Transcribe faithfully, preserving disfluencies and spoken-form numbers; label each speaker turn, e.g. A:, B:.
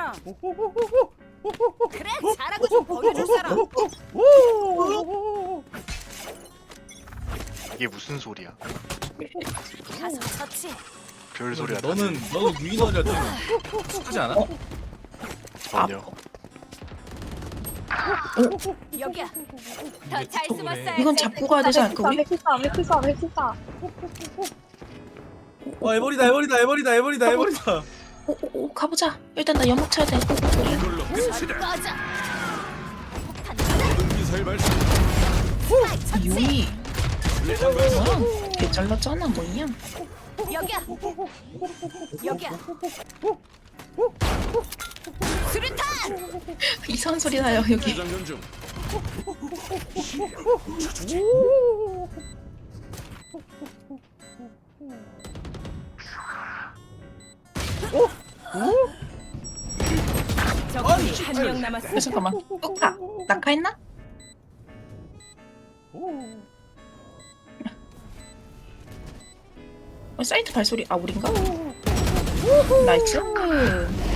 A: 사람. 그래, 잘하고 좀 보여줄 사람.
B: 이게 무슨 소리야?
A: 가서 처치.
B: 별 소리야.
C: 너는 너는 유인원이라 좀 하지 않아?
B: 전혀.
A: 여기야. 더 잘
C: 틱톡을
A: 숨었어요.
C: 해.
D: 이건 잡고 가야 되지 않을까 우리?
E: 핵기싸움 핵기싸움 핵기싸움.
C: 와 에버리다 에버리다 에버리다 에버리다 에버리다.
D: 오오오 가보자. 일단 나 연막 쳐야 돼.
F: 이걸로 끝이다.
A: 꺼져.
F: 미사일 발사.
D: 유이
F: 수류탄 발사.
D: 뭐야? 개 잘랐잖아 뭐냐?
A: 여기야. 여기야. 수류탄.
D: 이상한 소리 나요 여기.
F: 재장전 중.
A: 적군이 한 명 남았어.
D: 야, 잠깐만. 뚜까 낙하했나? 어, 사이트 발소리 아 우린가? 나이스.